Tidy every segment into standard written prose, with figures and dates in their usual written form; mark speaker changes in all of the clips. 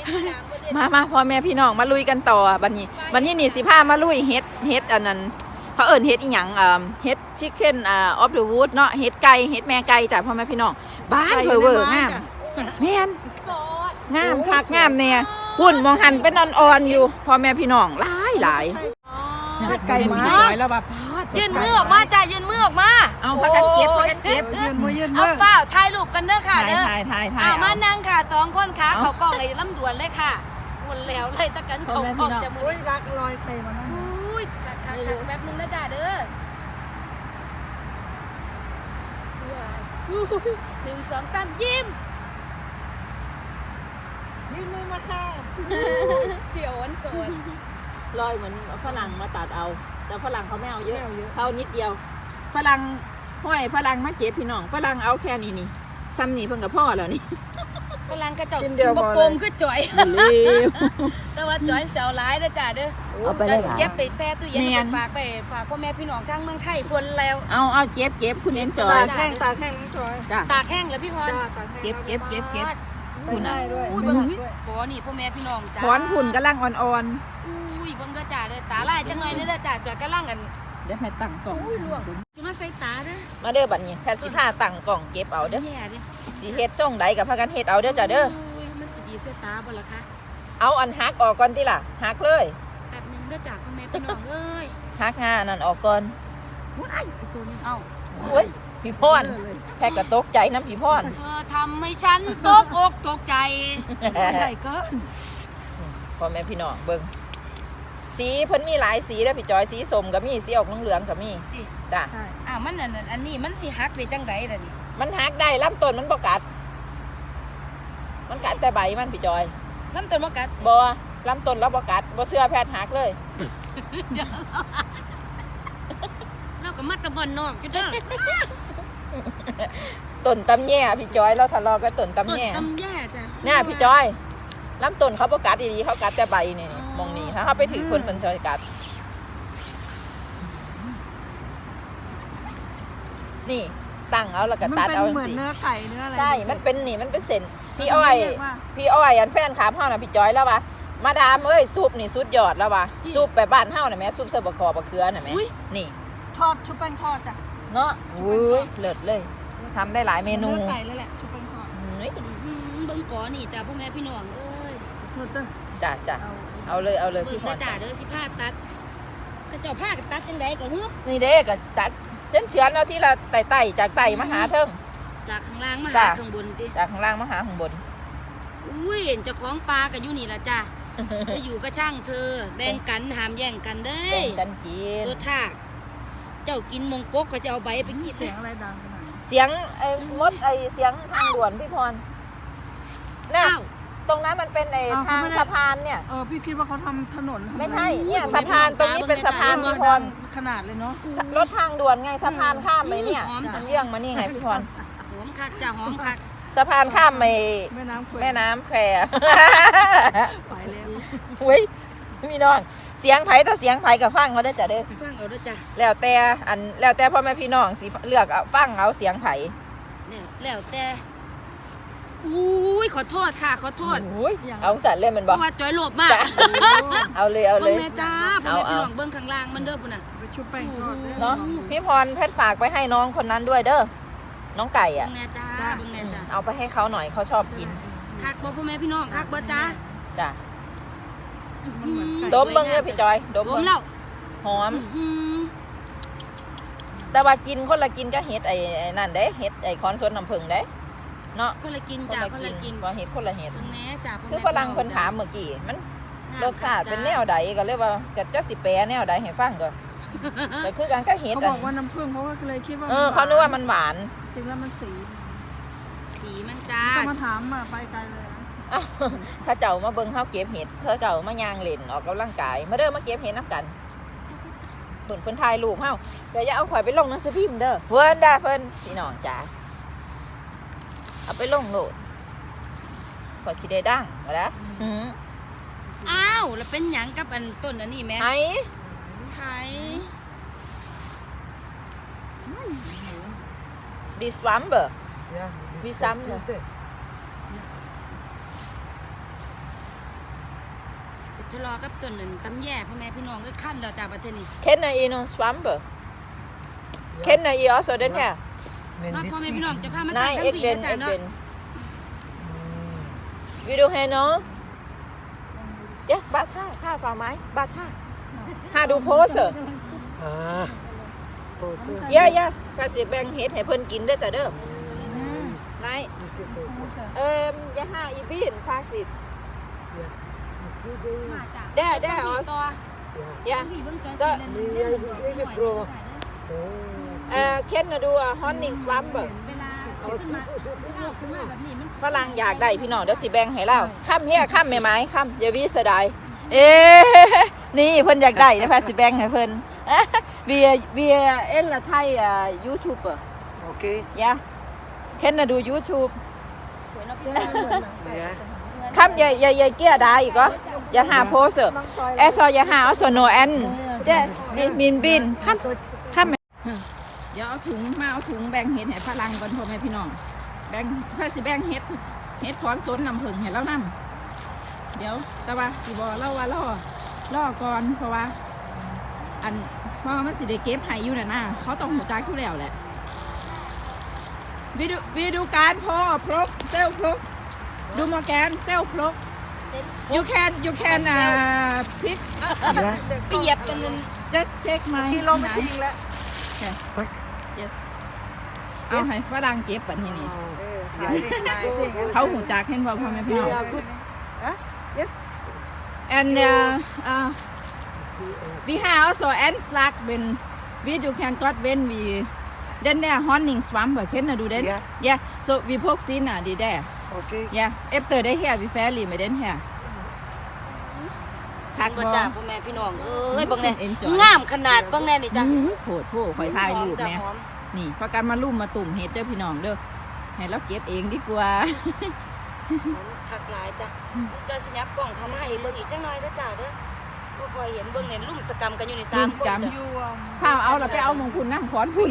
Speaker 1: มาพ่อแม่พี่น้องมาลุยกันต่อบัดนี้นี่สิพามาลุยเฮ็ดอันนั้นเขาเอิ้นเฮ็ดอีหยังเฮ็ดชิคเก้นออฟเดอะวูดเนาะเฮ็ดไก่เฮ็ดแม่ไก่จ้ะพ่อแม่พี่น้องบ้านเพอเวอร์งามแม่นงามคักงามเนี่ยหุ่นมองหันเป็นอ่อนๆอยู่พ่อแม่พี่น้องหลายไก่มาแล้วแบบ
Speaker 2: ยืนมือออกมาจ้ะยืนมือออกมา
Speaker 1: เอาพักกันเก็บ
Speaker 3: ยืนมือ
Speaker 2: เอาฝ้าถ่ายรูปกันเด้อค่ะเด้อ
Speaker 1: ถ่าย
Speaker 2: มานั่งค่ะ2คนขาเขากล้องเลยลำดวนเลยค่ะวนแล้วเลยตะกันเขากล้องจะมือ
Speaker 3: รักลอยใครมานั่ง
Speaker 2: อุ้ยคักแป๊บนึงนะจ้ะเด้อ1 2 3ยิ้ม
Speaker 3: ยืนมือมาค่ะ
Speaker 2: เสียวอันโซน
Speaker 1: ลอยเหมือนฝรั่งมาตัดเอาแต่ฝรั่งเขาไม่เอาเยอะเขานิดเดียวฝรั่งห้อยฝรั่งมาเก็บพี่น้องฝรั่งเอาแค่นี้นี่ซ้ำนี่เพิ่งกับพ่อแล้วนี่
Speaker 2: ฝรั่งกระจกบะปมคือจ่อยแต่ว่าจ่อยเสียวร้ายนะจ้ะเด้อ
Speaker 1: เอาไปเลย
Speaker 2: เก็บไปแช่ตู้เย็นฝากพ่อแม่พี่น้องข้างเมืองไทยคนแล้ว
Speaker 1: เอาเก็บคุณเอ็นจอย
Speaker 3: ตากแห้งน้องจอย
Speaker 2: ตากแห้งแล้วพี่พร
Speaker 1: เก็บ
Speaker 3: คุณได้ด้วย
Speaker 2: อุ้ยเบิ่งโหนี่พ่อแม่พี่น้องจ้า
Speaker 1: ถอนหุ่นกำลังอ่อน
Speaker 2: อุ้ยเบิ่งเด้อจ้าเด้อตาลายจังหน่อยเด้อจ้าจอยกำลังกัน
Speaker 1: เดี๋ยวให้ตั้งกล่อง
Speaker 2: จะมาใส่ตาเด้อ
Speaker 1: มาเด้อบัดนี้แพทย์สิพาตั้งกล่องเก็บเอาเด้อสิเฮ็ดส่งใดกับพากันเฮ็ดเอาเด้อจ้าเด้อ
Speaker 2: มันสิดีใส่ตาบ่ล่ะคะ
Speaker 1: เอาอันฮักออกก่อนติล่ะฮักเลย
Speaker 2: แป๊บนึงเด้อจ้าพ่อแม่พี่น้องเอ้ย
Speaker 1: ฮักงานั่นออกก่อน
Speaker 2: ว้ายไอ้ตัวนี้เอ้า
Speaker 1: โอ้ยพี่พรแพทย์ก็ตกใจน้ำพี่พร
Speaker 2: เธอทำให้ฉันตกอกตกใจ
Speaker 3: ใหญ่เกิน
Speaker 1: พ่อแม่พี่น้องเบิ่งสีเพิ่นมีหลายสีเด้อพี่จอยสีส้มก็มีสีออกเหลืองๆก็มีจ้ะ
Speaker 2: มันอันนี้มันสิฮักได้จังไดล่ะนี่
Speaker 1: มันฮักได้ลำต้นมันบ่กัดมันกัดแต่ใบมันพี่จอย
Speaker 2: ลำต้นบ่กัด
Speaker 1: บ่ลำต้นแล้วบ่กัดบ่เชื่อแพทย์ฮักเลย
Speaker 2: เราก็มาตะบอนนอกจ้ะเด้อ
Speaker 1: ต้นตำแย่พี่จอยเราทะเลาะกันต้นตำแย่
Speaker 2: จ้ะ
Speaker 1: เนี่ยพี่จอยลำต้นเขาบ่กัดดีๆเขากัดแต่ใบนี่มองนี่ถ้าเขาไปถือคนเพิ่นจะกัดนี่ตั้งเอาแล้วก็ตัดเอา
Speaker 3: เหมือนเนื้อไก่เนื้ออะไร
Speaker 1: ใช่มันเป็นนี่มันเป็นเส้นพี่อ้อยอันแฟนขาเฮาน่ะพี่จอยแล้วว่ะมาดามเอ้ยซุปนี่สุดยอดแล้วว่ะซุปแบบบ้านเฮาน่ะแม่ซุปเสิร์ฟบะคอบะเขือน่ะแม่นี่
Speaker 3: ทอดชุบแป้งทอดจ้ะ
Speaker 1: เนาะอุ้ยเลิศเลยทำได้หลายเมนู
Speaker 3: ไก่เลยแหละชุบแป้งทอด
Speaker 2: เบิ่งก่อนี่จ้ะพ่อแม่พี่น้องเอ้ย
Speaker 1: จ้ะเอาเลย
Speaker 2: พี่พรจ้ะเด้อสิผ้าตัดก็เจ้าผ้าตัดจังได๋ก็ฮึ
Speaker 1: นี่เด้ก็ตัดเส้นเฉือนเอาที่ละไต่จากไต่มาหาเทิง
Speaker 2: จากข้างล่างมาหาข้างบนติ
Speaker 1: จากข้างล่างมาหาข้างบน
Speaker 2: อุ้ยเจ้าของปลาก็อยู่นี่ล่ะจ้ะจะอยู่ก็ช่างเธอแบ่งกันห้ามแย่งกันเด้
Speaker 1: แบ่งกันกิน
Speaker 2: ตัวทากเจ้ากินมงกกก็จะเอาใบไปงีด
Speaker 3: เสียงอะไรดังขนาด
Speaker 1: เสียงมดเสียงทางด่วนพี่พรน่ะตรงนั้นมันเป็นทางสะพานเนี่ย
Speaker 3: พี่คิดว่าเขาทำถนน
Speaker 1: ไม่ใช่เนี่ยสะพานตรงนี้เป็นสะพานพี่พร
Speaker 3: ขนาดเลยเนาะ
Speaker 1: รถทางด่วนไงสะพานข้ามไปเนี่ยเยื่องมานี่ไงพี่พร
Speaker 2: หอมคักจ้ะหอมคัก
Speaker 1: สะพานข้ามไปแม่น้ำแคว
Speaker 3: ไปแล้ว
Speaker 1: เว้ยมีน้องเสียงไผ่ต่อเสียงไผ่กับฟังเขาได้จ้ะเด้อ
Speaker 2: ฟังเอาด้วยจ้ะ
Speaker 1: แล้วแต่พ่อแม่พี่น้องสิเลือกฟังเอาเสียงไผ่
Speaker 2: แล้วแต่อุ้ยขอโทษค่ะขอโทษ
Speaker 1: เอาสั่นเลยมันบอก
Speaker 2: ว่าจอยโลภมาก
Speaker 1: เอาเลย
Speaker 2: แม่จ้าพ่อแม่พี่น้องเบิ้งข้างล่างมันเด้อปุ่นน่ะ
Speaker 3: ไปชุบแป้งทอด
Speaker 1: เนาะพี่พรเพชรฝากไปให้น้องคนนั้นด้วยเด้อน้องไก่อ่ะ
Speaker 2: แม่จ้าเบิ้งแม่จ้า
Speaker 1: เอาไปให้เขาหน่อยเขาชอบกิน
Speaker 2: คักบ่พ่อแม่พี่น้องคักบ่จ้า
Speaker 1: จ้าดมเบิ้งเนี่ยพี่จอยดม
Speaker 2: แล้ว
Speaker 1: หอมแต่ว่ากินคนละกินก็เฮ็ดนั่นเด้เฮ็ดคอนสวนน้ำผึ้งเด้เนาะ
Speaker 2: คนละกินจ้าคนละกิน
Speaker 1: ว่าเฮ็ดคนละเฮ็ด
Speaker 2: แม่จ้า
Speaker 1: คือฝรั่งเพิ่นถามเมื่อกี้มันรสชาติเป็นแนวใดก็เลยว่าจะสิแปลแนวใดให้ฟังก่อนก็คือการก็เฮ็ด
Speaker 3: เขาบอกว่าน้ำผึ้งเพราะว่าเลยคิดว่า
Speaker 1: เขานึกว่ามันหวาน
Speaker 3: จริงแล้วมัน
Speaker 2: สีมันจ้า
Speaker 3: มาถามไปไกลเลย
Speaker 1: ข้าเจ้ามาเบิ่งเฮาเก็บเห็ดข้าเจ้ามาย่างเล่นออกกำลังกายมาเด้อมาเก็บเห็ดนำกันเพิ่นถ่ายรูปเฮาเดี๋ยวอย่าเอาข่อยไปลงหนังสือพิมพ์เด้อเพิ่นเพิ่นพี่น้องจ๋าเอาไปลงโลดข่อยสิได้ดังบ่ล่ะ
Speaker 2: อ้าวแล้วเป็นหยังกับอันต้นอันนี้แม่ไผ
Speaker 1: This lumber
Speaker 4: Yeah,
Speaker 1: we some
Speaker 2: ทะเลาะกับต้นนั่นตำแย่พ่อแม่พี่น้องก็ขั้นแล้วจ้าประเทศนี้
Speaker 1: Kender I no swamper? Kender I også den her?
Speaker 2: ว่าพ่อแม่พี่น้องจะพามา
Speaker 1: Nej,
Speaker 2: ตั้ง
Speaker 1: ikke
Speaker 2: ปี
Speaker 1: den,
Speaker 2: นะจ้า
Speaker 1: ikke
Speaker 2: เนาะ
Speaker 1: den. Vil du have noget? Ja, bare tag fra mig. Bare tag. Har du pose?
Speaker 4: Ah, pose.
Speaker 1: Ja. Faktisk bæng hếtให้เพิ่นกินเด้อจ้ะเด้อ Nej.
Speaker 4: Ikke pose.
Speaker 1: Jeg har i bilen faktisk.
Speaker 4: Ja. Måske det.
Speaker 2: มาจ้า
Speaker 1: Der også. Ja. Så
Speaker 4: Jeg vil ikke prøve. Oh.
Speaker 1: kender du honning swamper?
Speaker 2: เวลาขึ้นมาขึ้นมาแบบนี้มัน
Speaker 1: ฝรั่งอยากได้พี่น้องเดี๋ยวสิแบ่งให้เราค่ำเฮียค่ำแม่ไม้ค่ำอย่าวิสดายนี่เพิ่นอยากได้นะพาสิแบ่งให้เพิ่น wir eller Thai YouTuber
Speaker 4: Okay.
Speaker 1: ja kender du YouTube
Speaker 2: สวยเนาะพี่
Speaker 4: Ja.
Speaker 1: ค่ำอย่าเกี้ยได้อีกก็อย่าหาโพสซอย่าหาเอาโซโนแอนเจ๊นี่มินบินค่ำเดี๋ยวเอาถุงมาเอาถุงแบ่งเห็ดให้ฝรั่งก่อนพ่อแม่พี่น้องแบ่งพาสิแบ่งเห็ดขอนสนน้ำผึ้งให้เรานำเดี๋ยวแต่ว่าสิบอเล่าว่าล่อก่อนเพราะว่าเพราะว่ามันสิได้เก็บให้อยู่น่ะนะเขาต้องหัวใจกอยู่แล้วแหละวิดูการพ่อพลกเซลพลกดูโมแกนเซลพลก you can pick
Speaker 4: Ja.
Speaker 2: ไปเหยียบกันนึง
Speaker 1: just take my
Speaker 3: ที่ลมไม่ทิ้งแล้ว
Speaker 4: Pak.
Speaker 1: yes เอาให้ฝรั่งเก็บแบบนี้นี่
Speaker 3: ขายสิขายสิ
Speaker 1: เขาหูจักเห็นบ่พ่อแม่พี่
Speaker 4: They
Speaker 1: น้อง
Speaker 4: are good.
Speaker 3: ฮะ yes
Speaker 1: and
Speaker 4: Måske,
Speaker 1: we have also ants like when you can got when we then there honning swamp can do that
Speaker 4: Yeah.
Speaker 1: so we poke sin the there
Speaker 4: okay.
Speaker 1: yeah after they here we fairly me then here คัก
Speaker 2: บ่
Speaker 1: บ่
Speaker 2: จ้าพ่อแม่พี่น้องเอ้ยเบิ่งแน่
Speaker 1: Enjoy
Speaker 2: งามขนาดเบิ่งแน่นี่จ้า
Speaker 1: โหดข่อยถ่ายรูปแม่
Speaker 2: หอม
Speaker 1: นี่พากันมาลุ่มมาตุ่มเฮ็ดเด้อพี่น้องเด้อให้เราเก็บเองดีกว่า
Speaker 2: คักหลายจ้ะจะสิยับกล่องทำให้เบิ่งอีกจังหน่อยเด้อจ้าเด้อบ่ค่อยเห็นเบิ่งเนี่ยลุ่มสกรรมกันอยู่ใน3 คนจ้ะ
Speaker 3: you
Speaker 1: ข้าวเอาเราไปเอามงคุณน้ำขอนพุ่น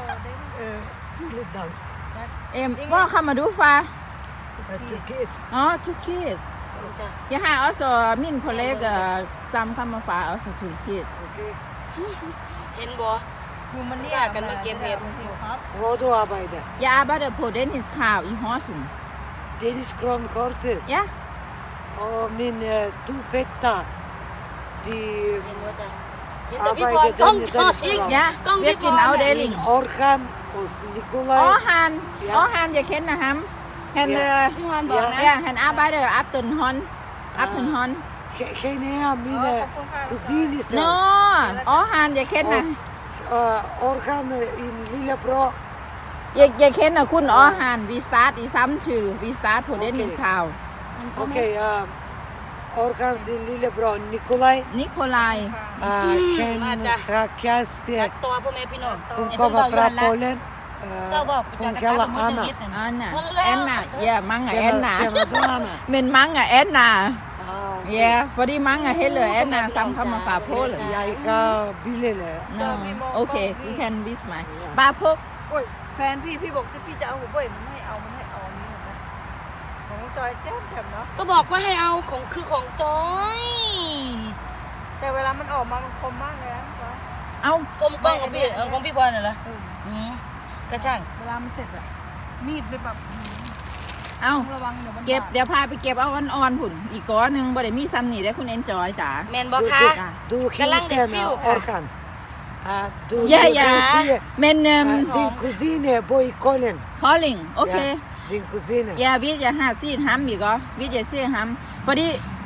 Speaker 4: Lidt dansk.
Speaker 1: เอ็มว่าเข้ามาดูฟ้า
Speaker 4: Turkiet.
Speaker 1: อ๋อ two kids
Speaker 2: จ้ะ
Speaker 1: ja har også min kollega sammen kommer fra også Tyrkiet
Speaker 4: Okay.
Speaker 2: เห็นบ่
Speaker 3: อยู่มันเนี่ย
Speaker 2: ว่ากันมาเก็บเห็ด
Speaker 3: ครับ
Speaker 4: Hvor du arbejder?
Speaker 1: jeg arbejder på Dennis Krav i Horsens
Speaker 4: Danish Crown Horses.
Speaker 1: ja
Speaker 4: Og min to fætter, de
Speaker 2: เห็นบ่จ้ะเห็นแต่พี่พร
Speaker 4: arbejder
Speaker 2: กล้อง
Speaker 4: den
Speaker 2: จอ
Speaker 4: Danish
Speaker 2: อีก
Speaker 4: Crown.
Speaker 1: ja
Speaker 2: กล้องพี่พร
Speaker 1: virkelig afdeling
Speaker 4: Orhan hos Nikolaj.
Speaker 1: Orhan
Speaker 4: Ja.
Speaker 1: Orhan jeg kender ham han
Speaker 4: Ja.
Speaker 2: พี่พรบอกนะ
Speaker 1: ja han arbejder Aftenhånd Aftenhånd
Speaker 4: Han er mine kusines.
Speaker 1: no Orhan jeg kender
Speaker 4: Orhan en lillebror.
Speaker 1: jeg kender kun Orhan vi start i samme tid vi start på Dennis Krav
Speaker 4: Okay, Orhan sin lillebror Nikolaj.
Speaker 1: Nikolaj
Speaker 4: Han
Speaker 2: Mata.
Speaker 4: har kæreste.
Speaker 2: ตัดตัวพ่อแม่พี่น้อง
Speaker 4: Hun kommer fra Polen. Hun kalder Anna.
Speaker 1: Anna
Speaker 2: Wallah.
Speaker 1: Anna ja mange Anna
Speaker 4: Kender du Anna?
Speaker 1: men mange Anna
Speaker 4: Okay.
Speaker 1: ja fordi mange hellere Anna sammen kommer fra Polen
Speaker 4: Jeg har billeder.
Speaker 1: no okay you can visit mig bare på
Speaker 3: โอ้ยแฟนพี่บอกจะพี่จะเอาหัวเว่ยมันให้เอาอันนี้เห็นไหมของจอยแจ่มแจ่มเนาะ
Speaker 2: ก็บอกว่าให้เอาของคือของจอย
Speaker 3: แต่เวลามันออกมามันคมมากเลยนะจอย
Speaker 1: เอา
Speaker 2: กลมกล้องของพี่ของพี่พรน่ะเหรอมกระช่าง
Speaker 3: เวลามันเสร็จอะมีดไปแบบ
Speaker 1: เอา
Speaker 3: ระวังเดี๋ยวมัน
Speaker 1: เก็บเดี๋ยวพาไปเก็บเอาอ่อนๆผุ่นอีกก้อนหนึ่งบ่ได้มีซ้ำนี่ได้อคุณเอนจอยจ๋า
Speaker 2: แมนบอกคะ
Speaker 4: Du
Speaker 2: Galang de
Speaker 4: hilsen
Speaker 2: Fiu, ka?
Speaker 4: Orhan. Du
Speaker 1: ja
Speaker 4: du
Speaker 1: ja
Speaker 4: siger,
Speaker 1: men
Speaker 4: din kusine bor i Kolen.
Speaker 1: calling okay
Speaker 4: Ja, din kusine.
Speaker 1: ja vi jeg har set ham ikke også vi jeg ser ham fordi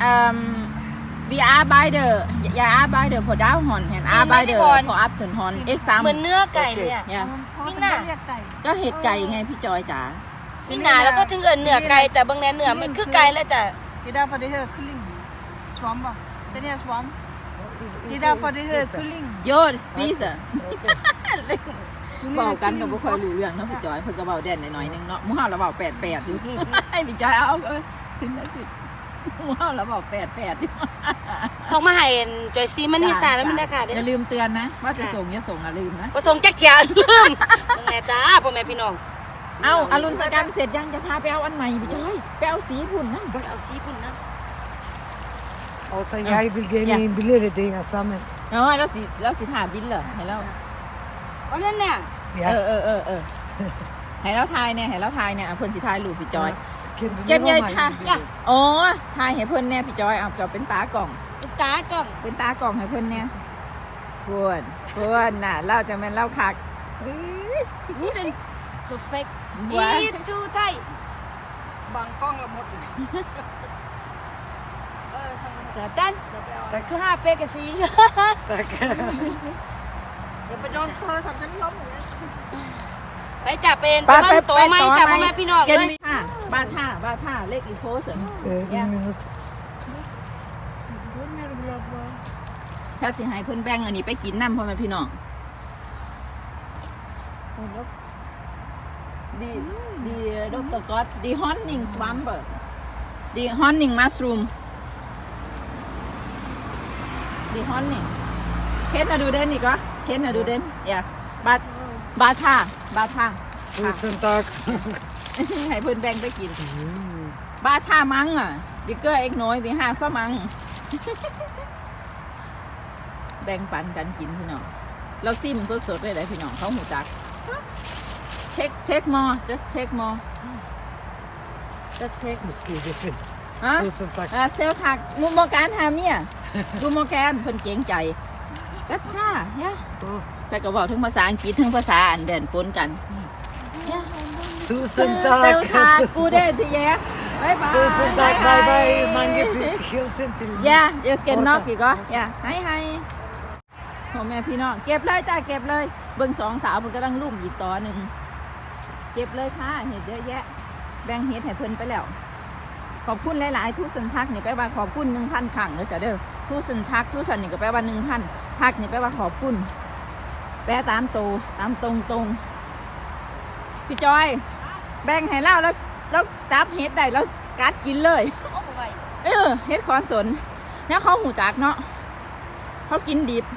Speaker 1: vi arbejder jeg arbejder på Daghånd han arbejder på Aftenhånd ikke
Speaker 2: เหมือน
Speaker 1: sammen
Speaker 2: เนื้อไก่เลยอะ
Speaker 1: ja
Speaker 3: เขาจะไม่เรียกไก่
Speaker 1: ก็เห็ดไก่ไงพี่จอยจ๋า
Speaker 2: มีหนาแล้วก็ถึงเอินเนื้อไก่แต่บางแนเนื้อมันคือไก่แล้วจ้ะ
Speaker 3: Die daar voor de heer Kulling. Swamba. Den her swam. Die daar voor de heer Kulling.
Speaker 1: โยดสปีซะบอกกันกับบุคคลรู้เรื่องเนาะพี่จอยเพิ่นก็เบาแดนหน่อยๆนึงเนาะหมู่เฮาเราเบา88อยู่ ให้พี่จอยเอาขึ้นได้ขึ้นหมู่เฮาเราเบา88อยู่
Speaker 2: ส่งมาให้จอยซีมันนี่ซาแล้วมันได้ค่ะเด้
Speaker 1: อย่าลืมเตือนนะว่าจะส่งอย่าส่งอย่าลืมนะ
Speaker 2: บ่ส่งจักเที่ยลืมบางแนจ้าพ่อแม่พี่น้อง
Speaker 1: เอาอรุณสกรรมเสร็จยังจะพาไปเอาอันใหม่พี่จอยไปเอาสีพุ่นนั่น
Speaker 2: เอาซีพุ่นนะ
Speaker 4: Och sen jag vill ge mig en billigare det är samma.
Speaker 1: เอาแล้วสิถ่าบินเหรอให้เรา
Speaker 2: เอานั่นเนี่ย
Speaker 4: Ja.
Speaker 1: ให้เราทายเนี่ยให้เราทายเนี่ยเพิ่นสิทายรูปพี่จอย
Speaker 4: Kan du
Speaker 1: Kan jag
Speaker 4: lova mig
Speaker 1: ta-
Speaker 4: en bild?
Speaker 1: อ๋อทายให้เพิ่นเนี่ยพี่จอยเอาจะเป็นตากล่อง
Speaker 2: ตุ๊กตากล้อง
Speaker 1: เป็นตากล่องให้เพิ่นเนี่ยเพิ่นน่ะเราจะแม่นเล่าคักอื้อ
Speaker 2: นี่เป็น perfect
Speaker 1: ว้า
Speaker 2: อีทูไทย
Speaker 3: บางกล้องเราหมดเลยช่างมัน
Speaker 2: สตัน
Speaker 3: เดี๋ยวไปเอา
Speaker 4: Tack.
Speaker 2: คือ5 เป๊กกะซี
Speaker 4: Tack.
Speaker 3: เดี๋ยวไปโดนโทรศัพท์ฉันล้มอย่างนี้
Speaker 2: ไปจับเป็นบ้านโตไหมจับพ่อแม่พี่น้อง
Speaker 1: เย็น
Speaker 2: เลย
Speaker 1: มีค่ะบาชาเลขอีโพส
Speaker 4: En minut.
Speaker 1: ถ้าสิให้เพิ่นแบ่งอันนี้ไปกินน้ำพ่อแม่พี่น้องดีดรก๊อตดีฮอนนิงสวัมเบอร์ดีฮอนนิงมัสรูมดีฮอนนิงเคสน่ะดูเด่นอีกก็เคสน่ะดูเด่นอย่าบาชา
Speaker 4: Tusen tack.
Speaker 1: ให้เพิ่นแบ่งไปกินบาชามังอ่ะดิเกอร์เอ็กน้อยไป5ซ้อมัง แบ่งปันกันกินพี่น้องเราซิมสดๆเลยพี่น้องเขาหูจักเช็คมอ just check more just check
Speaker 4: Nu skriver jag.
Speaker 1: ฮะ
Speaker 4: Tusen tack.
Speaker 1: เซลทักมุมโมการหาเมียดูโมการเพิ่นเก่งใจกัดซ่าเนี่ย
Speaker 4: Åh,
Speaker 1: แต่ก็บอกทั้งภาษาอังกฤษทั้งภาษาอันเด่นปนกัน
Speaker 4: Tusen
Speaker 1: เซลทัก
Speaker 4: tack.
Speaker 1: กูได้ทีแย่บายบาย
Speaker 4: Tusen tack. Bye bye. Mange hilsen till mig.
Speaker 1: ย่าเดี๋ยวสแกนนอกอีกก็ย่าให้พ่อแม่พี่น้องเก็บเลยจ้าเก็บเลยเบิ่ง2 สาวมันกำลังลุ่มอีกต่อหนึ่งเก็บเลยค่ะเห็ดเยอะแยะแบ่งเห็ดให้เพิ่นไปแล้วขอบคุณหลายๆทุกสันทักนี่แปลว่าขอบคุณ 1,000 ครั้งเลยจ้ะเด้อทุกสันทักทุกสันนี่ก็แปลว่า 1,000 ทักนี่แปลว่าขอบคุณแปลตามโตตามตรงพี่จอยแบ่งให้เล่าแล้วจับเห็ดได้แล้วกัดกินเลย
Speaker 2: โอ้โหไป
Speaker 1: เฮ็ดคอนสนเนี่ยเขาหูจักเนาะเขากินดิบ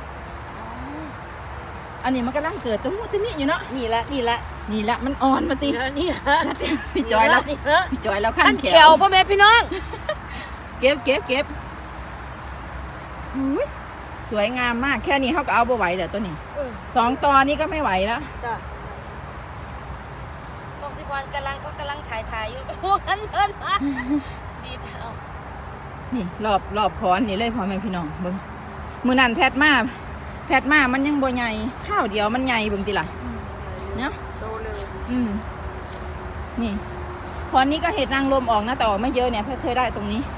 Speaker 1: อันนี้มันกำลังเกิดตัวมูตัวนี้อยู่เนาะ
Speaker 2: นี่ละ
Speaker 1: นี่แหละมันอ่อนมาตี
Speaker 2: นี่ละ
Speaker 1: พี่จอยแล้ว
Speaker 2: นี่ละ
Speaker 1: พี่จอยแล้วขั้
Speaker 2: ขั้
Speaker 1: น
Speaker 2: น
Speaker 1: แข
Speaker 2: แขวพ่อแม่พี่น้อง
Speaker 1: เก็บอุ๊ยสวยงามมากแค่นี้เขาก็เอาบ่ไหวแล้วตัวนี้2 ตอนนี้ก็ไม่ไหวแล้ว
Speaker 3: จ้ะ
Speaker 2: กองพี่พรกำลังถ่ายอยู่กับพวกนั้นเดินมาดีเท่า
Speaker 1: นี่รอบคอนนี่เลยพ่อแม่พี่น้องเบิ่งมื้อนั้นแพทมามันยังบ่ใหญ่ข้าวเดียวมันใหญ่เบิ่งติล่ะเนาะ
Speaker 3: โตเลย
Speaker 1: นี่คอนนี้ก็เห็ดนางรมออกนะแต่ออกไม่เยอะเนี่ยแพทเคยได้ตรงนี้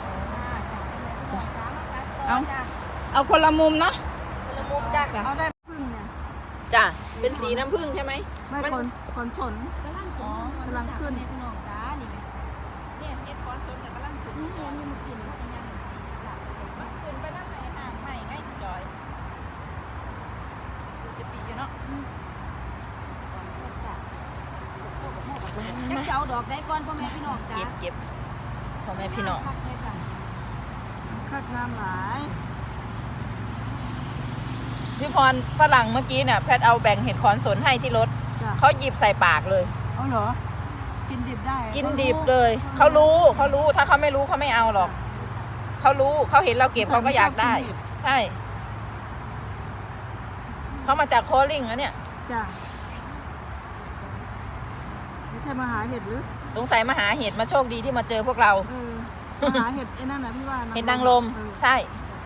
Speaker 1: เอาคนละมุมเนาะ
Speaker 2: คนละมุมจ้ะ
Speaker 3: เอาได้พึ่งเนี่ย
Speaker 1: จ้ะเป็นสีน้ำผึ้งใช่ไหม
Speaker 3: ไม่
Speaker 1: มัน
Speaker 3: ขนสน
Speaker 2: กำลัง
Speaker 3: กำลังขึ้น
Speaker 2: พี่น้องจ้านี่ไหม
Speaker 1: เนี่ยเห็ดคอนสนแต่กำลังขึ้น
Speaker 2: นี่ยังมีกินมันเป็นยังไง
Speaker 1: มันขึ้นไปน้ำไหนห่างไม่ง่ายจอยดูจะปีอยู่เนาะ
Speaker 2: จักเจ้าดอกได้ก่อนพ่อแม่พี่น้องจ้า
Speaker 1: เก็บพ่อแม่พี่น้อง
Speaker 3: คักน้ำหลาย
Speaker 1: พี่พรฝรั่งเมื่อกี้เนี่ยแพทเอาแบ่งเห็ดคอนสนให้ที่รถ
Speaker 3: จ้ะ
Speaker 1: เขาหยิบใส่ปากเลย
Speaker 3: เอาเหรอ กินดิบได้
Speaker 1: กินดิบเลยเขารู้ถ้าเขาไม่รู้เขาไม่เอาหรอกเขารู้เขาเห็นเราเก็บเขาก็อยากได้ ใช่เขามาจากโคลิงนะเนี่ย
Speaker 3: จ้ะไม่ใช่มาหาเห็ดหรือ
Speaker 1: สงสัยมาหาเห็ดมาโชคดีที่มาเจอพวกเรา
Speaker 3: มาหาเห็ดไอ้นั่นนะพี่ว่า
Speaker 1: เห็ดนางรมใช่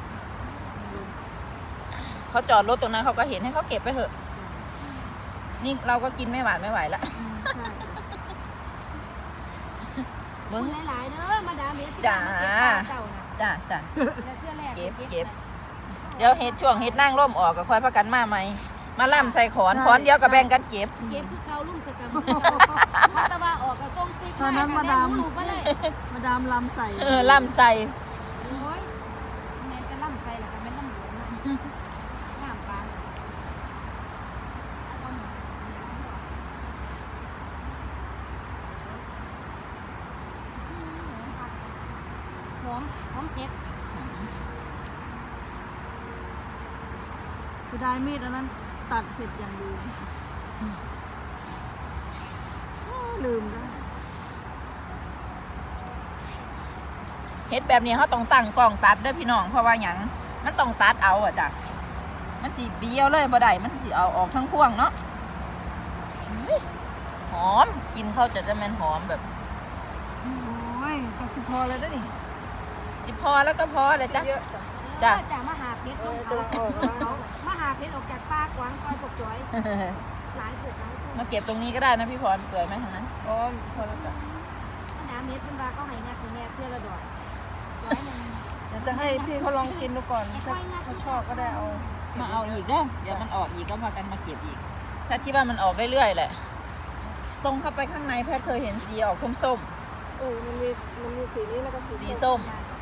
Speaker 1: เขาจอดรถตรงนั้นเขาก็เห็นให้เขาเก็บไปเถอะนี่เราก็กินไม่หวานไม่ไหวละ
Speaker 3: ใช่
Speaker 2: มึงหลายๆเด้อมาดามเฮ็ด
Speaker 1: จ้า
Speaker 2: เจ้าน่ะ
Speaker 1: จ้า
Speaker 2: เทื่อแรก
Speaker 1: เก็บเดี๋ยวเห็ดช่วงเห็ดนั่งร่มออกก็ค่อยพักกันมาไหมมาล่ำใส่ขอนเดียวกับแบ่งกันเก็บ
Speaker 2: เก็บคือเขาลุ่มสกัมมาตะว่าออกกับต้มซิก
Speaker 3: ตอนนั้นมาดาม
Speaker 2: ลูกมาเลย
Speaker 3: มาดามลำใส่
Speaker 1: ล่ำใส่
Speaker 2: โอ้ยแม่จะล่ำไปแล้วก็แม่ล่ำหลวงงามปานหอมเผ็ด
Speaker 3: จะได้มีดอันนั้นตัดเห็ดอย่างดีลืมได้
Speaker 1: ฮ็ดแบบนี้เขาต้องตั้งกล้องตัดเด้อพี่น้องเพราะว่าหยังมันต้องตัดเอาอะจ้ะมันสิเบี้ยวเลยบ่ได้มันสิเอาออกทั้งพวงเนาะหอมกินเขาจะแม่นหอมแบบ
Speaker 3: โอ้ยก็สิพอแล้วเด้อนี่
Speaker 1: สิพอแล้วก็พอเลยจ้ะ
Speaker 3: เยอะจ้ะ
Speaker 1: จ้ะ
Speaker 2: จะมาหาเพชร
Speaker 3: เอ
Speaker 2: ล
Speaker 3: อง
Speaker 2: เขา
Speaker 3: กำลังออกแล้ว
Speaker 2: มาหาเพชรออกจากปากกวางคอยปกจอยหลายผูกหลายผูก
Speaker 1: มาเก็บตรงนี้ก็ได้นะพี่พรสวยไหมทางนั้น
Speaker 3: อ๋อพอแล้วจ้ะ
Speaker 2: น้ำเม็ดเป็นบาก็ให้งัดถึงแม่เที่ยวละดอกร้อยหนึ่ง
Speaker 3: เดี๋ยวจะให้พี่เขาลองกินดูก่อนถ้าเขาชอบก็ได้เอา
Speaker 1: มาเอาอีกเด้อเดี๋ยวมันออกอีกก็พากันมาเก็บอีกแพทย์คิดว่ามันออกเรื่อยๆแหละตรงเข้าไปข้างในแพทย์เคยเห็นสีออกส้ม
Speaker 3: มันมีสีนี้แล้วก็
Speaker 1: ๆ
Speaker 3: สี
Speaker 1: สีส้ม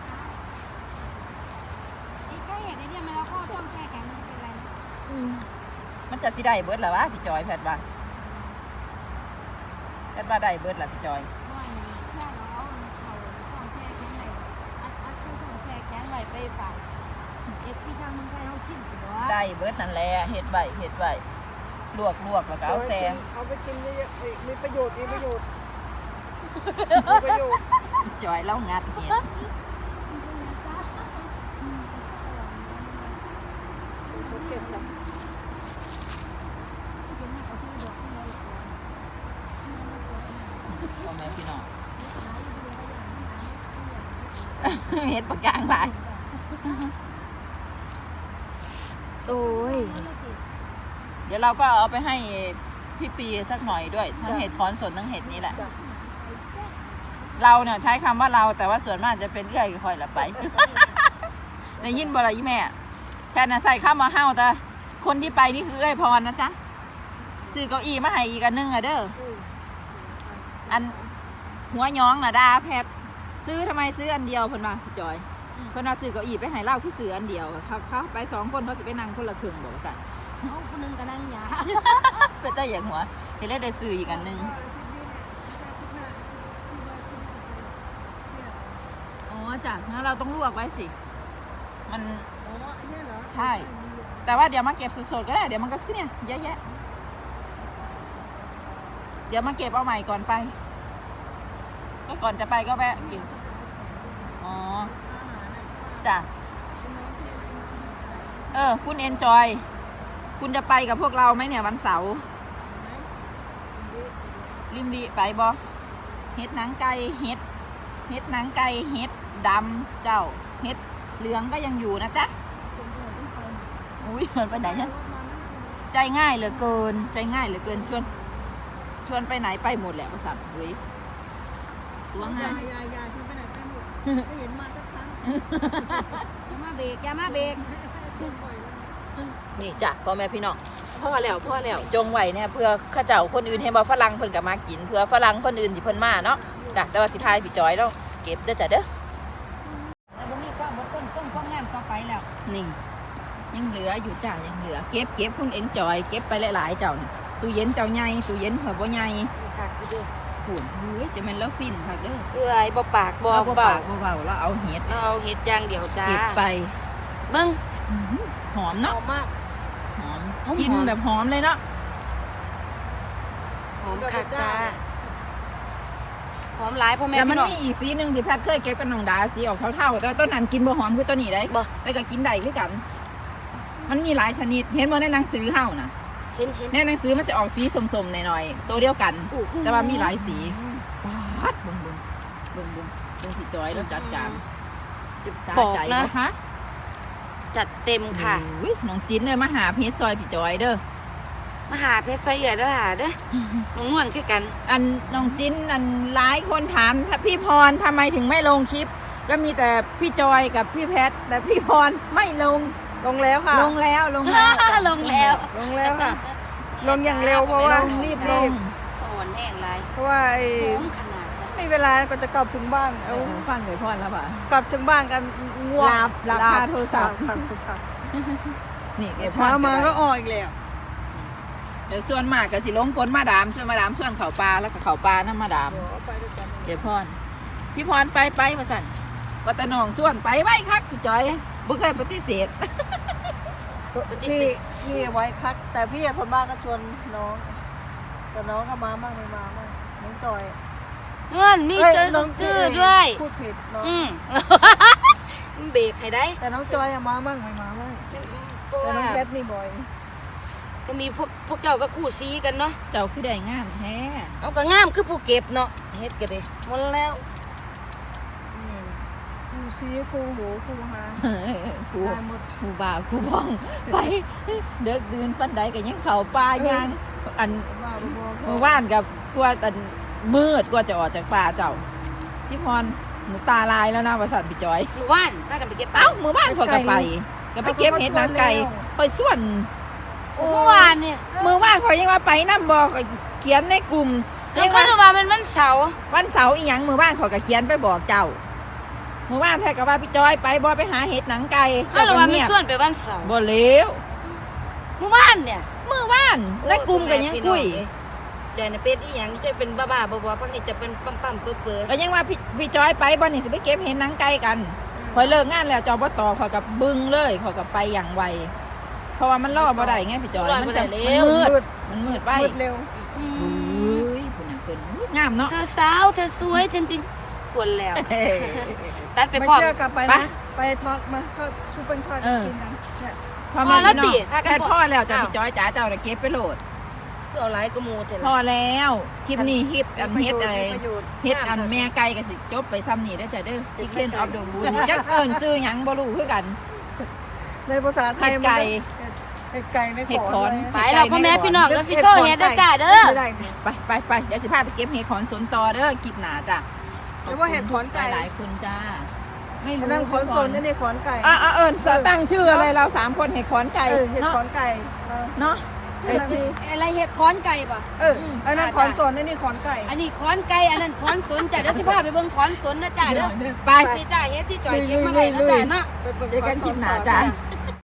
Speaker 2: สีใกล้เห็นไอ้เนี่ยมันแล้วก็ต้มแค่แข็งมันจะเป็นไร
Speaker 1: มันจะสิได้เบิดเหรอวะพี่จอยแพทย์ว่าได้เบิดเหรอพี่จอย
Speaker 2: เพราะว่าแค่เราเอาเขาต้มแค่แข็งไหนอัดคือต้มแค่แข็งไหวไปฝากเอฟซีทางเมืองไทยเขาชิมสิบ่
Speaker 1: ได้เบิดนั่นแหละเฮ็ดไว้ลวกแล้วก็เอาแซ่
Speaker 3: เอาไปกินเยอะๆมีประโยชน์
Speaker 1: พี่จอยเล่างัดเห็ด
Speaker 3: เขาเก็บจ้ะ
Speaker 1: พ่อแม่พี่น้อง เฮ็ดปากกลางหลาย
Speaker 3: โอ้ย
Speaker 1: เดี๋ยวเราก็เอาไปให้พี่ปีสักหน่อยด้วยทั้งเห็ดคอนสนทั้งเห็ดนี้แหละ
Speaker 3: จ้ะ
Speaker 1: เราเนี่ยใช้คำว่าเราแต่ว่าส่วนมากจะเป็นเอื้อยคอยละไป ในยินบ่ละยี่แม่แพทย์น่ะใส่ข้าวมาเฮ้าแต่คนที่ไปนี่คือเอื้อยพรนะจ๊ะซื้อเก้าอี้มาให้อีกอันนึงอะเด้ออันหัวย้องน่ะดาแพทย์ซื้อทำไมซื้ออันเดียวเพิ่นมาพี่จอยเพิ่นว่าซื้อเก้าอี้ไปให้เล่าคือซื้ออันเดียวเขาไปสองคนเขาสิไปนั่งคนละครึ่งบอกสั่น
Speaker 2: เอาคนนึงก็นั่งหยา
Speaker 1: เป็นแต่อย่างหัวเห็นแล้วได้ซื้ออีกอันนึงอ๋อจ้ะงั้นเราต้องลวกไว้สิมัน
Speaker 3: อ๋ออันนี้เหรอ
Speaker 1: ใช่ แต่ว่าเดี๋ยวมาเก็บสดๆก็ได้เดี๋ยวมันก็ขึ้นเนี่ยเยอะแยะเดี๋ยวมาเก็บเอาใหม่ก่อนไป ก็ก่อนจะไปก็แวะเก็บอ๋อจ้ะคุณเอนจอยคุณจะไปกับพวกเราไหมเนี่ยวันเสาร์ริมบีไปบอเฮ็ดหนังไก่เฮ็ดหนังไก่เฮ็ดดำเจ้าเฮ็ดเหลืองก็ยังอยู่นะจ๊ะอุ้ยมันไปไหนฉันใจง่ายเหลือเกินชวนไปไหนไปหมดแหละภาษาเฮ้ยตัวง่าย
Speaker 3: ยายฉันไปไหนไปหมดไม่เห็นมาสักครั้ง
Speaker 2: อย่ามาเบรกอย่ามาเบรก
Speaker 1: นี่จ้ะพ่อแม่พี่น้องพ่อแล้วจงไว้เนี่ยเพื่อข้าเจ้าคนอื่นให้บ่ฝรั่งเพิ่นก็มากินเพื่อฝรั่งคนอื่นที่เพิ่นมาเนาะจ้ะแต่ว่าสิทายพี่จอยแล้วเก็บเด้อจ้ะเด้อ
Speaker 2: แล้วบ่มีความบ่ต้นส้มความงามต่อไปแล้ว
Speaker 1: นี่ยังเหลืออยู่จ้ะยังเหลือเก็บคุณเอ็นจอยเก็บไปหลายๆเจ้านี่ตู้เย็นเจ้าใหญ่ตู้เย็นเผื่อบ่ใหญ่
Speaker 2: คักอยู่เด้อ
Speaker 1: พูนเฮ้ยจะแม่นแล้วฟินคักเด้อ
Speaker 2: เอื้อยบ่ปากบ่
Speaker 1: เอาบ่
Speaker 2: เบา
Speaker 1: ปากบ่เบาแล้วเอาเห็ด
Speaker 2: เราเอาเฮ็ดอย่างเดียวจ้า
Speaker 1: เก็บไป
Speaker 2: เบิ่ง
Speaker 1: อื้อหือหอม
Speaker 3: ห
Speaker 1: เนาะ
Speaker 3: อมมาก
Speaker 1: หอม
Speaker 2: หอม
Speaker 1: กินแบบหอมเลยเนาะ
Speaker 2: หอมคักจ้าหอมหลายพ่อแม่
Speaker 1: แต่มัน
Speaker 2: พี่น้อง
Speaker 1: มีอีกสีหนึงที่แพทย์เคยเก็บกับน้องดาสีออกเท่าๆแต่ว่าต้นนั้นกินบ่หอมคือต้นนี้ได้
Speaker 2: บ่
Speaker 1: แล้วก็กินได้คือกัน มันมีหลายชนิดเห็นบ่ในหนังสือเฮานะ
Speaker 2: เห็น
Speaker 1: ในหนังสือมันจะออกสีสมๆหน่อยๆตัวเดียวกัน
Speaker 2: อู้หู
Speaker 1: แต่ว่ามีหลายสีปาดเบิ่งสิจอยแล้วจัดการ
Speaker 2: จะ
Speaker 1: สา
Speaker 2: บอก
Speaker 1: ใจ
Speaker 2: นะ
Speaker 1: บ่คะ
Speaker 2: จัดเต็มค่ะ
Speaker 1: อุ้ยน้องจิ้นเลยมาหาเพชรซอยพี่จอยเด้อ
Speaker 2: มาหาเพชรซอยเอื้อยเด้อหาเด้อน้องนวลคือกัน
Speaker 1: อันน้องจิ้นอันหลายคนถามถ้าพี่พรทำไมถึงไม่ลงคลิป ก็มีแต่พี่จอยกับพี่แพทแต่พี่พรไม่ลง
Speaker 3: ลงแล้วค่ะ
Speaker 1: ลงแล้ว
Speaker 2: ลงแล้ว
Speaker 3: ลงแล้วค่ะ ลงอย่างเร็วเพราะว่า
Speaker 1: รีบลง
Speaker 2: สอนแห้งไร
Speaker 3: เพราะว่าไอ้
Speaker 2: หอมขนาดจ้ะ
Speaker 3: ไม่เวลาก็จะกลับถึงบ้าน เอา
Speaker 1: ฟังเลยพรแล้วป่ะ
Speaker 3: กลับถึงบ้านกันง่วง
Speaker 1: หลับคาโทรศัพท์
Speaker 3: คาโทรศัพท์
Speaker 1: นี่เก็บพร
Speaker 3: เช้ามา
Speaker 1: ได้
Speaker 3: ก็ออกอีกแล้ว
Speaker 1: เดี๋ยวส่วนมากก็สิลงกลมาดามส่วนมาดามส่วนเขาปลาแล้วก็เขาปลาน้ำมาดาม
Speaker 3: ไปด้วยกัน
Speaker 1: เดี๋ยวพรพี่พรไปมาสั่นวัตนองส่วนไปไว้คักพี่จอยบ่เคยปฏิเสธ
Speaker 3: พี่ไว้คัก แต่พี่ส่วนมากก็ชวนน้อง แต่น้องก็มาบ้างไม่มาบ้างน้องจอย
Speaker 2: เงินมีเจอชื่อด้วย
Speaker 3: พูดผิดเนาะ
Speaker 2: เบรกให้ได้
Speaker 3: แต่น้องจอยอะมาบ้างไม่มาบ้าง
Speaker 2: เพราะ
Speaker 3: แต่
Speaker 2: ว่า
Speaker 3: น้องแคทนี่บ่อย
Speaker 2: ก็มีพวกเจ้าก็คู่ซีกันเนาะ
Speaker 1: เจ้าคือได้งามแท้
Speaker 2: เอาก็งามคือผู้เก็บเนาะเฮ็ดก็ได้หมดแล้วนี่นะ
Speaker 3: ครูซีครูหูครูหา
Speaker 1: ครู
Speaker 3: ได้หมด
Speaker 1: ครูบ่าวครูบ้องไปเด็กดื่นปันใดก็ยังเข้าป่าย่างอัน
Speaker 3: บ้าบ่
Speaker 1: เมื่อวานกับกลัวแต่มืดกลัวจะออกจากป่าเจ้าพี่พรหนูตาลายแล้วนะว่าสันพี่จอย
Speaker 2: หมู่บ้านพากันไปเก็บปลา
Speaker 1: เอ้ามือบ้านพอยก็ไปก็ไปเก็บเห็ดนางไก่คอยส่วน
Speaker 2: เมื่อวานเนี่ย
Speaker 1: มือบ้านคอยยังว่าไปน้ำบอกเขียนในกลุ่ม
Speaker 2: แล้วก็ดูว่ามันวันเสาร์
Speaker 1: วันเสาร์อีหยังมือบ้านคอยก็เขียนไปบอกเจ้ามือบ้านแพ้ก็ว่าพี่จอยไปบ่ไปหาเห็ดหนังไก่
Speaker 2: ถ้าเราว่ามันส่วนไปวันเสาร์
Speaker 1: บ่เลี้ยว
Speaker 2: เมื่อวานเนี่ย
Speaker 1: มือบ้านในกลุ่มก็ยังคุย
Speaker 2: ใจน่ะเป็นอีหยังจะเป็นบ้าๆบ่ๆพักนี้จะเป็นปั๊มๆเปื่อย
Speaker 1: ก็ยังว่าพี่จอยไปบ่นี่สิไปเก็บเห็ดหนังไก่กันคอยเลิกงานแล้วจอบตคอยกับบึ้งเลยคอยกับไปอย่างไวเพราะว่ามันล่อบ่ได้ไงพี่จอยมันจะมันมืดไป
Speaker 3: มืดเร็ว
Speaker 2: ๆ
Speaker 1: อุ้ยผู้นั้นเป็นงามเนาะ
Speaker 2: เธอสาวเธอสวยจริงๆปวดแล้ว
Speaker 1: เฮ้ย
Speaker 2: ตัดไป
Speaker 3: ไม่
Speaker 2: พร้อม
Speaker 3: เชื่อกลับไป
Speaker 1: ไป
Speaker 3: นะไปทอดมาทอดชุบเป็นทอด
Speaker 1: เออ
Speaker 3: กินกันเนี่ย
Speaker 1: พ่อแม่พี่น้อง
Speaker 2: พอแล้วติพากัน
Speaker 1: แพทย์พ่อแล้วจ้ะ
Speaker 2: อ้าว
Speaker 1: พี่จอยจ๋าเจ้าน่ะเก็บไปโหลด
Speaker 2: คือเอาหลายกระมูเถอะ
Speaker 1: พอ
Speaker 2: ล่ะ
Speaker 1: แล้วคลิปนี้ฮิปอันเฮ็ดอะไร
Speaker 3: ประโยชน์
Speaker 1: เฮ็ดอันแม่ไก่ก็สิจบไปซ้ำนี่เด้อจ้ะเด้อ Chicken of the Wood นี่จักเอิ้นชื่อหยังบ่รู้คือกัน
Speaker 3: ในภาษาไทย
Speaker 1: เห็ดไก่
Speaker 3: เห็ดไก่ใน
Speaker 1: เห็ดขอน
Speaker 2: ไปแล้วพ่อแม่พี่น้องก็สิโซ่เฮ็ดเด้อจ้าเด้อ
Speaker 3: ไม่ได้สิ
Speaker 1: ไปเดี๋ยวสิพาไปเก็บเห็ดขอนสวนต่อเด้อคลิปหน้าจ้ะ
Speaker 3: หรือว่าเห็ดขอนไก่
Speaker 1: หลายๆคนจ้าไม่รู้
Speaker 3: อันนั้นขอนสนนี่ขอนไก่
Speaker 1: เอิ้นตั้งชื่ออะไรเรา3คนเห็ดขอนไก่
Speaker 3: เห็ด
Speaker 1: เนาะ
Speaker 3: ขอนไก่เออ
Speaker 1: เนาะ
Speaker 3: ชื่ออะไร
Speaker 2: อะไรเฮ็ดค้อนไก่ป่ะ
Speaker 3: อันนั้นขอนสนนี่ขอนไก่
Speaker 2: อันนี้ค้อนไก่อันนั้นค้อนสนจ้ะเดี๋ยวสิพาไปเบิ่งค้อนสนนะจ้าเด้อ
Speaker 1: ไป
Speaker 2: นี่จ้าเฮ็ดที่จอยเก็บมาได้นะจ้าเนาะ
Speaker 3: ไปบิ่ง
Speaker 1: เจอกันคลิปหน้า
Speaker 3: ขอส
Speaker 1: จ้ะ
Speaker 3: ต่อ